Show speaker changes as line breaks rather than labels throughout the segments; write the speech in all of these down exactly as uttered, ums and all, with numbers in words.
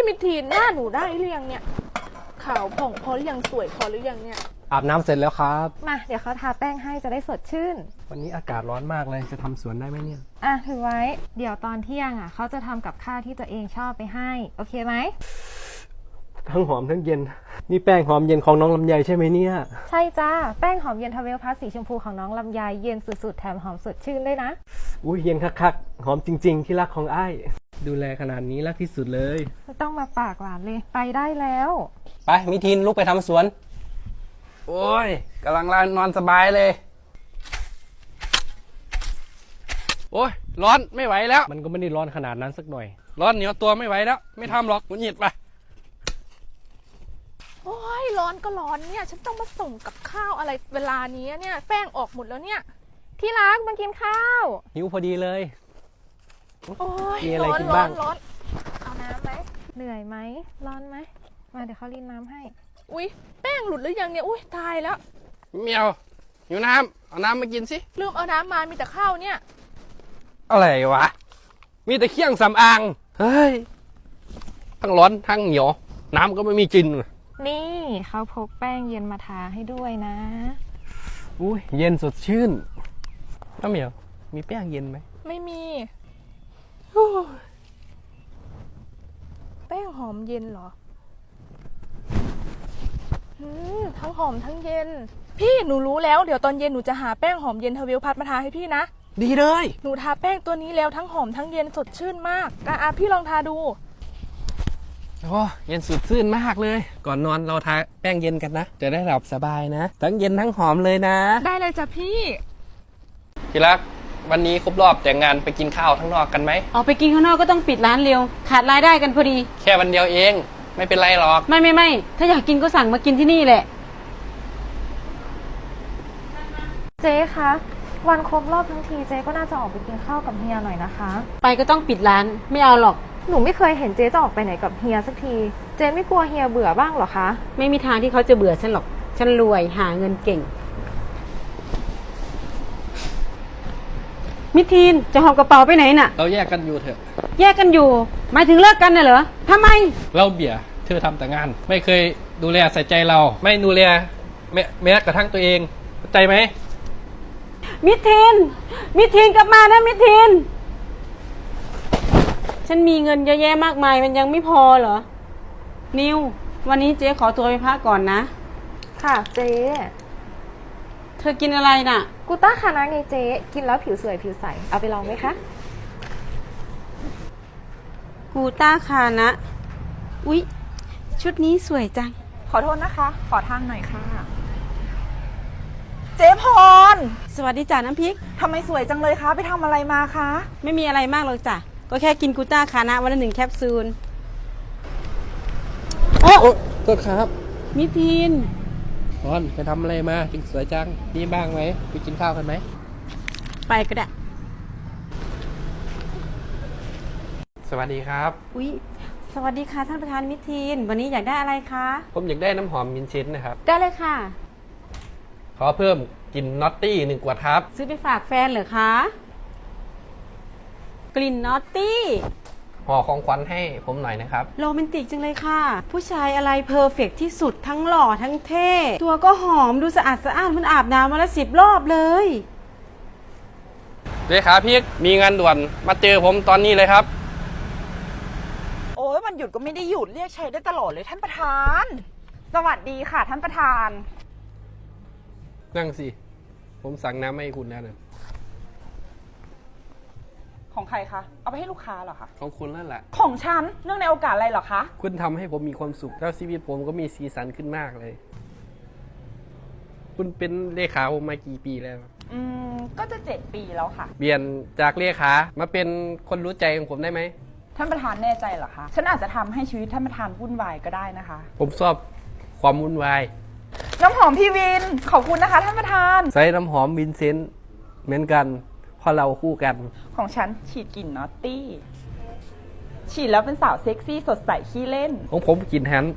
มิทีนหน้าหนูได้หรือยังเนี่ยขาวผ่องพอหรือยังสวยพอหรือยังเนี่ย
อาบน้ำเสร็จแล้วครับ
มาเดี๋ยวเขาทาแป้งให้จะได้สดชื่น
วันนี้อากาศร้อนมากเลยจะทำสวนได้ไหมเนี่ย
อ่ะถือไว้เดี๋ยวตอนเที่ยงอ่ะเขาจะทำกับข้าวที่ตัวเองชอบไปให้โอเคไหม
ทั้งหอมทั้งเย็นนี่แป้งหอมเย็นของน้องลำไยใช่ไหมเนี่ย
ใช่จ้าแป้งหอมเย็นทาเวลพลัสสีชมพูของน้องลำไยเย็นสุดๆแถมหอมสดชื่นด้วยนะ
อุ้ยเย็นคักๆหอมจริงๆที่รักของอ้ายดูแลขนาดนี้รักที่สุดเลย
ไม่ต้องมาปากหวานเลยไปได้แล้ว
ไปมิทินลุกไปทำสวน
โอ้ยกำลังนอนสบายเลยโอ้ยร้อนไม่ไหวแล้ว
มันก็ไม่ได้ร้อนขนาดนั้นสักหน่อย
ร้อนเหนียวตัวไม่ไหวแล้วไม่ทำหรอกหงุดหงิดไป
โอ้ยร้อนก็ร้อนเนี่ยฉันต้องมาส่งกับข้าวอะไรเวลานี้เนี่ยแป้งออกหมดแล้วเนี่ย
ที่รักมากินข้าว
หิวพอดีเลย
โอ้ย
มีอะไรกินบ้าง
ร้อน
เอาน้ำไหมเหนื่อยไหมร้อนไหมมาเดี๋ยวเขารีดน้ำให้
อุ้ยแป้งหลุดหรือยังเนี่ยอุ้ยตายแล้ว
เมียวหิวน้ำเอาน้ำมากินสิ
ลืมเอาน้ำมามีแต่ข้าวเนี่ย
อะไรวะมีแต่เครื่องสำอางเฮ้ยทั้งร้อนทั้งเหนียวน้ำก็ไม่มีกิน
นี่เขาพกแป้งเย็นมาทาให้ด้วยนะ
อุ้ยเย็นสดชื่นน้าเหมียวมีแป้งเย็นไหม
ไม่มีแป้งหอมเย็นเหรอทั้งหอมทั้งเย็นพี่หนูรู้แล้วเดี๋ยวตอนเย็นหนูจะหาแป้งหอมเย็นทาเวลพัดมาทาให้พี่นะ
ดีเลย
หนูทาแป้งตัวนี้แล้วทั้งหอมทั้งเย็นสดชื่นมากอ่ะพี่ลองทาดู
โอ้เย็นสดชื่นมากเลยก่อนนอนเราทาแป้งเย็นกันนะจะได้หลับสบายนะทั้งเย็นทั้งหอมเลยนะ
ได้เลยจ้ะพี่
ที่รักวันนี้ครบรอบแต่งงานไปกินข้าวข้างนอกกันไหม
ออกไปกินข้างนอกก็ต้องปิดร้านเร็วขาดรายได้กันพอดี
แค่วันเดียวเองไม่เป็นไรหรอก
ไม่ไม่ไม่ถ้าอยากกินก็สั่งมากินที่นี่แหละ
เจ๊คะวันครบรอบทั้งทีเจ๊ก็น่าจะออกไปกินข้าวกับเฮียหน่อยนะคะ
ไปก็ต้องปิดร้านไม่เอาหรอก
หนูไม่เคยเห็นเจ๊จะออกไปไหนกับเฮียสักทีเจ๊ไม่กลัวเฮียเบื่อบ้างหรอคะ
ไม่มีทางที่เขาจะเบื่อฉันหรอกฉันรวยหาเงินเก่งมิทีนจะหอบกระเป๋าไปไหนน่ะ
เราแยกกันอยู่เถอะ
แยกกันอยู่หมายถึงเลิกกันน่ะเหรอทำไม
เราเบียเธอทำแต่งานไม่เคยดูแลใส่ใจเราไม่ดูแลแม้แม้กระทั่งตัวเองเข้าใจไหม
มิทีนมิทีนกลับมานะมิทีนฉันมีเงินเยอะแยะมากมายมันยังไม่พอเหรอนิววันนี้เจ๊ขอตัวไปพักก่อนนะ
ค่ะเจ๊
เธอกินอะไรน่ะ
กูต้าคานะไงเจ๊กินแล้วผิวสวยผิวใสเอาไปลองไหมคะ
กูต้าคานะอุ๊ยชุดนี้สวยจัง
ขอโทษนะคะขอทางหน่อยค่ะเจ๊พร
สวัสดีจ้าน้ำพริก
ทำไมสวยจังเลยคะไปทำอะไรมาคะ
ไม่มีอะไรมากหรอกจ้ะก็แค่กินกูต้าคานะวันละหนึ่งแคปซูล
โอ้โทษครับ
มิทีน
พรไปทำอะไรมาจึงสวยจังมีบ้างไหมไปกินข้าวกันไหม
ไปก็ได้
สวัสดีครับ
อุ๊ยสวัสดีค่ะท่านประธานมิทีนวันนี้อยากได้อะไรคะ
ผมอยากได้น้ำหอมมินชินนะครับ
ได้เลยค่ะ
ขอเพิ่มกลิ่นน็อตตี้หนึ่งขวดครับ
ซื้อไปฝากแฟนเหรอคะกลิ่นน็อตตี้
ห่อของขวัญให้ผมหน่อยนะครับ
โรแมนติกจังเลยค่ะผู้ชายอะไรเพอร์เฟกต์ที่สุดทั้งหล่อทั้งเท่ตัวก็หอมดูสะอาดสะอ้านมันอาบน้ำมาแล้วสิบรอบเลย
เลขาพี่มีงานด่วนมาเจอผมตอนนี้เลยครับ
โอ้ยวันหยุดก็ไม่ได้หยุดเรียกใช้ได้ตลอดเลยท่านประธานสวัสดีค่ะท่านประธาน
นั่งสิผมสั่งน้ำให้คุณแล้วนะ
ของใครคะเอาไปให้ลูกค้าเหรอคะ
ของคุณนั่นแหละ
ของฉันเนื่องในโอกาสอะไรเหรอคะ
คุณทำให้ผมมีความสุขแล้วชีวิตผมก็มีสีสันขึ้นมากเลยคุณเป็นเลขาผมมากี่ปีแล้ว
อืมก็จะเจ็ดปีแล้วค่ะ
เปลี่ยนจากเลขามาเป็นคนรู้ใจของผมได้ไหม
ท่านประธานแน่ใจเหรอคะฉันอาจจะทำให้ชีวิตท่านประธานวุ่นวายก็ได้นะคะ
ผมชอบความวุ่นวาย
น้ำหอมพี่วินขอบคุณนะคะท่านประธาน
ใส่น้ำหอมวินเซนต์เหมือนกันเพราะเราคู่กัน
ของฉันฉีดกลิ่นนอตตี้ฉีดแล้วเป็นสาวเซ็กซี่สดใสขี้เล่น
ของผมกลิ่นแฮน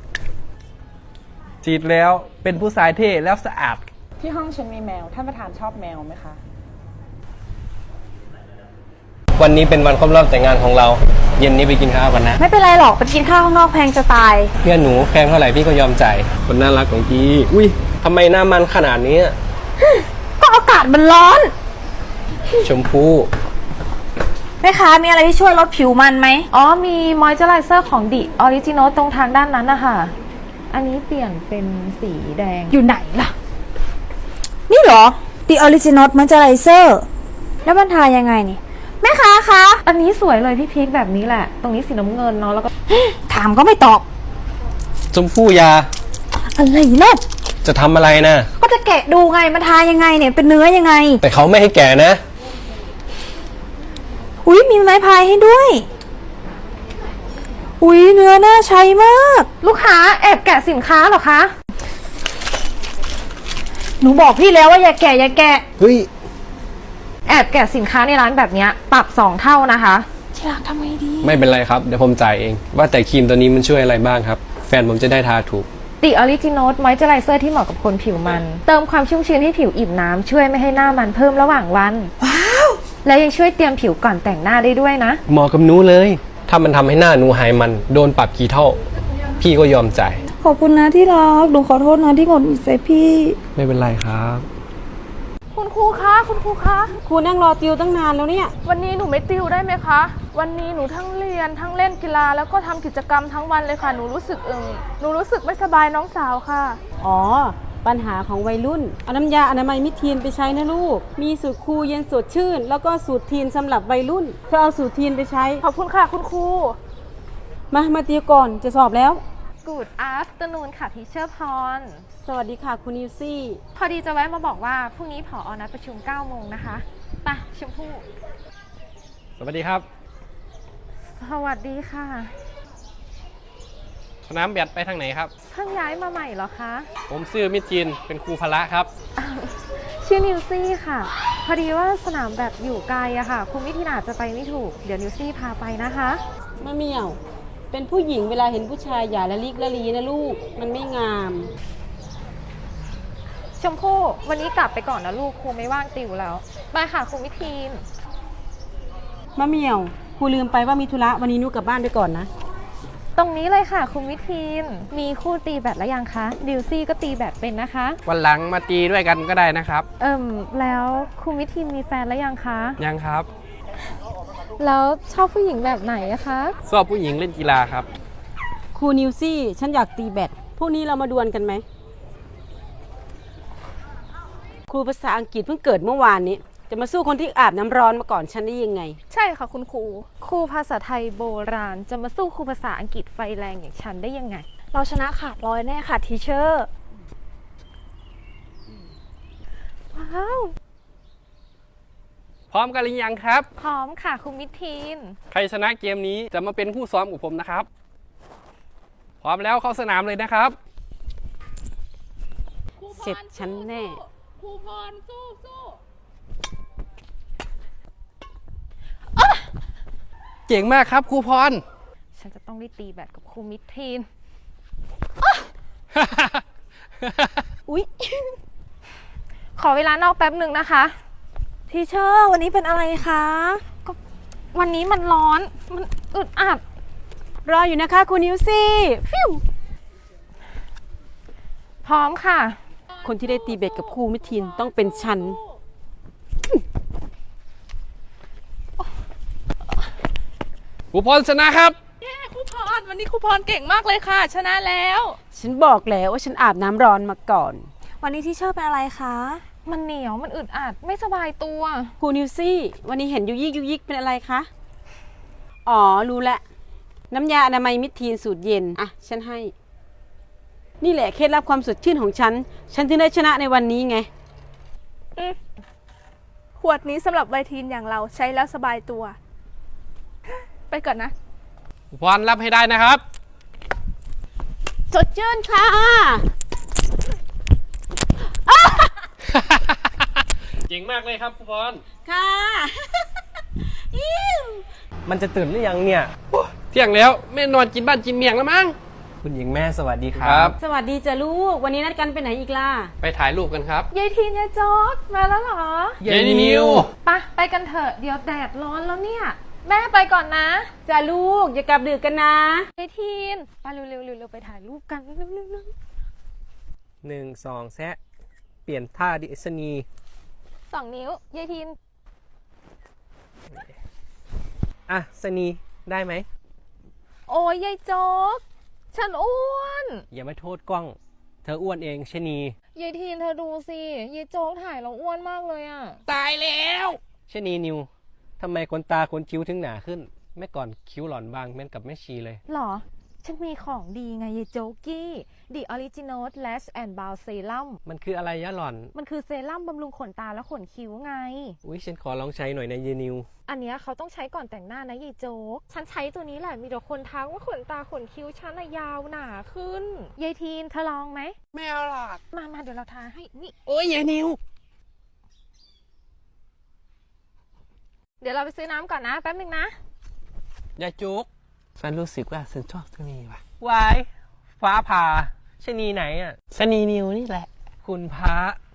ฉีดแล้วเป็นผู้ชายเท่แล้วสะอาด
ที่ห้องฉันมีแมวท่านประธานชอบแมวไหมคะ
วันนี้เป็นวันครบรอบแต่งงานของเรา เย็นนี้ไปกินข้าวกันนะ
ไม่เป็นไรหรอกไปกินข้าวข้างนอกแพงจะตาย
เพื่อนหนูแพงเท่าไหร่พี่ก็ยอมจ่ายคนน่ารักของพี่ อุ้ยทำไมหน้ามันขนาดนี้
ก็อากาศมันร้อน
ชมพู่
แม่ค้ามีอะไรที่ช่วยลดผิวมันไหม อ๋อ มีมอยเจอไรเซอร์ของดิออริจินอลตรงทางด้านนั้นนะคะอันนี้เปลี่ยนเป็นสีแดง
อยู่ไหนล่ะ
นี่เหรอ The Original Moisturizer แล้วมันทายังไงนี่ แม่ค้าคะ อันนี้สวยเลยพี่พีคแบบนี้แหละ ตรงนี้สีน้ำเงินเนาะ แล้วก็ ถามก็ไม่ตอบ
ชมพู่ยา
อะไรเนาะ
จะทำอะไรนะ
ก็จะแกะดูไง มันทายังไงเนี่ย เป็นเนื้อยังไง
แต่เขาไม่ให้แก่นะ
อุ๊ย มีไม้พายให้ด้วย อุ๊ย เนื้อน่าใช้มาก ลูกค้าแอบแกะสินค้าเหรอคะ หนูบอกพี่แล้วว่าอย่าแกะอย่าแกะ
เฮ้ย
แอบแกะสินค้าในร้านแบบเนี้ยปรับสองเท่านะคะที่รักทำไงดี
ไม่เป็นไรครับ เดี๋ยวผมจ่ายเอง ว่าแต่ครีมตัวนี้มันช่วยอะไรบ้างครับ แฟนผมจะได้ทาถูก
The Original Moisturizer ที่เหมาะกับคนผิวมัน เติมความชุ่มชื้นให้ผิวอิ่มน้ำช่วยไม่ให้หน้ามันเพิ่มระหว่างวัน ว้าว แล้วยังช่วยเตรียมผิวก่อนแต่งหน้าได้ด้วยนะ
เหมาะกับหนูเลย ถ้ามันทำให้หน้าหนูหายมัน โดนปรับกี่เท่า พี่ก็ยอมจ่าย
ขอบคุณนะที่รักหนูขอโทษนะที่หงุดหงิดใส่พี่
ไม่เป็นไรครับ
คุณครูคะ คุณครูคะ
ครูนั่งรอติวตั้งนานแล้วเนี่ย
วันนี้หนูไม่ติวได้ไหมคะ วันนี้หนูทั้งเรียนทั้งเล่นกีฬาแล้วก็ทำกิจกรรมทั้งวันเลยค่ะ หนูรู้สึกเอิงหนูรู้สึกไม่สบายน้องสาวค่ะ
อ๋อ ปัญหาของวัยรุ่น เอาน้ำยาอนามัยมิทีนไปใช้นะลูก มีสูตรคูลเย็นสดชื่น แล้วก็สูตรทีนสำหรับวัยรุ่นเธอเอาสูตรทีนไปใช้
ขอบคุณค่ะ คุณครู
มา มาติวก่อนจะสอบแล้ว
Good afternoon ค่ะทีเชอร์พร
สวัสดีค่ะคุณนิวซี่
พอดีจะแวะมาบอกว่าพรุ่งนี้ผอนัดประชุมเก้าโมงนะคะไปชมพู่
สวัสดีครับ
สวัสดีค่ะ
สนามแบดไปทางไหนครับ
เพิ่งย้ายมาใหม่เหรอคะ
ผมชื่อมิตรจินเป็นครูพละครับ
ชื่อนิวซี่ค่ะ พอดีว่าสนามแบบอยู่ไกลอะค่ะ คุณวิทินอาจจะไปไม่ถูก เดี๋ยวนิวซี่พาไปนะคะ
มะเหมี่ยว เป็นผู้หญิงเวลาเห็นผู้ชายอย่าละลิกละลีนะลูก มันไม่งาม
ชมพู่วันนี้กลับไปก่อนนะลูกครูไม่ว่างติวแล้วไปค่ะคุณวิทีน
มะเหมี่ยวครูลืมไปว่ามีธุระวันนี้หนูกลับบ้านไปก่อนนะ
ตรงนี้เลยค่ะคุณวิทีนมีคู่ตีแบดแล้วยังคะดิวซี่ก็ตีแบดเป็นนะคะ
วันหลังมาตีด้วยกันก็ได้นะครับ
เอิ่มแล้วคุณวิทีนมีแฟนแล้วยังคะ
ยังครับ
แล้วชอบผู้หญิงแบบไหนอะคะ
ชอบผู้หญิงเล่นกีฬาครับ
ครูนิวซี่ ฉันอยากตีแบดพวกนี้เรามาดวลกันไหม ครูภาษาอังกฤษเพิ่งเกิดเมื่อวานนี้ จะมาสู้คนที่อาบน้ำร้อนมาก่อนฉันได้ยังไง
ใช่ค่ะคุณครู
ครูภาษาไทยโบราณ จะมาสู้ครูภาษาอังกฤษไฟแรงอย่างฉันได้ยังไง
เราชนะขาดร้อยแน่ค่ะทีเชอร์
ว้าว
พร้อมกันหรือยังครับ
พร้อมค่ะคุณวิทีน
ใครชนะเกมนี้จะมาเป็นผู้ซ้อมกับผมนะครับ พร้อมแล้วเข้าสนามเลยนะครับ
เสร็จฉันแน่
ครูพรสู้สู้
เก่งมากครับครูพร
ฉันจะต้องได้ตีแบดกับครูมิทีน
อุ๊ย
ขอเวลานอกแป๊บหนึ่งนะคะ
ทีเชอร์วันนี้เป็นอะไรคะ
วันนี้มันร้อน มันอึดอัด
รออยู่นะคะครูนิวซี่
ฟิวพร้อมค่ะ
คนที่ได้ตีแบดกับครูมิทินต้องเป็นฉัน
ครูพรชนะครับ
เย้ครูพรวันนี้ครูพรเก่งมากเลยค่ะ ชนะแล้ว
ฉันบอกแล้วว่าฉันอาบน้ำร้อนมาก่อน
วันนี้ทีเชอร์เป็นอะไรคะ
มันเหนียว มันอึดอัด ไม่สบายตัว
ครูนิวซี่ วันนี้เห็นยุยิกยุยิกเป็นอะไรคะ อ๋อ รู้ละ น้ำยาอนามัยมิตรทีนสูตรเย็น อ่ะ ฉันให้ นี่แหละเคล็ดลับความสดชื่นของฉัน ฉันถึงได้ชนะในวันนี้ไง
ขวดนี้สำหรับวัยทีนอย่างเราใช้แล้วสบายตัว ไปก่อนนะ
ครูพรรับให้ได้นะครับ
สดชื่นค่ะ
เก่งมากเลยครับครูพร
ค่ะ
มันจะตื่นหรือยังเนี่ย
เที่ยงแล้วไม่นอนกินบ้านกินเมียงแล้วมั้ง
คุณหญิงแม่สวัสดีค
ค
รั
รับ บ
สวัสดีจ้ะลูก วันนี้นัดกันไปไหนอีกล่ะ
ไปถ่ายรูปกันครับ
ยายทีนยายโจ๊กมาแล้วเหรอ
เย็นนิว
ไปะไปกันเถอะ เดี๋ยวแดดร้อนแล้วเนี่ย แม่ไปก่อนนะ
จ้ะลูก อย่ากลับดึกกันนะ
ยายทีนไปเร็วๆเร็วๆเร็วไปถ่ายรูปกันเร็วๆเร็ว
หนึ่งสองแซะเปลี่ยนท่าดิสนีย์
ๆสองนิ้วยายทีน
อ่ะสนีได้ไหม
โอ้ยยายโจ๊ก ฉันอ้วน
อย่ามาโทษกล้อง เธออ้วนเองชะนี
ยายทีนเธอดูสิ ยายโจ๊กถ่ายเราอ้วนมากเลยอะ
ตายแล้ว
ชะนีนิวทำไมขนตาขนคิ้วถึงหนาขึ้นเมื่อก่อนคิ้วหล่อนบางเหมือนกับแม่ชีเลย
หรอ ฉันมีของดีไงยายโจ๊กกี้ The Original Lash and Brow Serum
มันคืออะไรยะหล่อน
มันคือเซรั่มบำรุงขนตาและขนคิ้วไง
อุ้ยฉันขอลองใช้หน่อยนะเยนิว
อันเนี้ยเขาต้องใช้ก่อนแต่งหน้านะยายโจ๊ก ฉันใช้ตัวนี้แหละ มีแต่คนทักว่าขนตาขนคิ้วฉันอะยาวหนาขึ้น ยายทีนเธอลองไหม
ไม่เอาหรอก
มามาเดี๋ยวเราทาให้ นี่
โอ้ยเย็นนิว
เดี๋ยวเราไปซื้อน้ำก่อนนะ แป๊บนึงนะ
อย่าจุกฉันรู้สึกว่าฉันชอบสนีว่ะ
วาย ฟ้าผ่าชะนีไหนอ่ะ
สนีนิวนี่แหละ
คุณพระ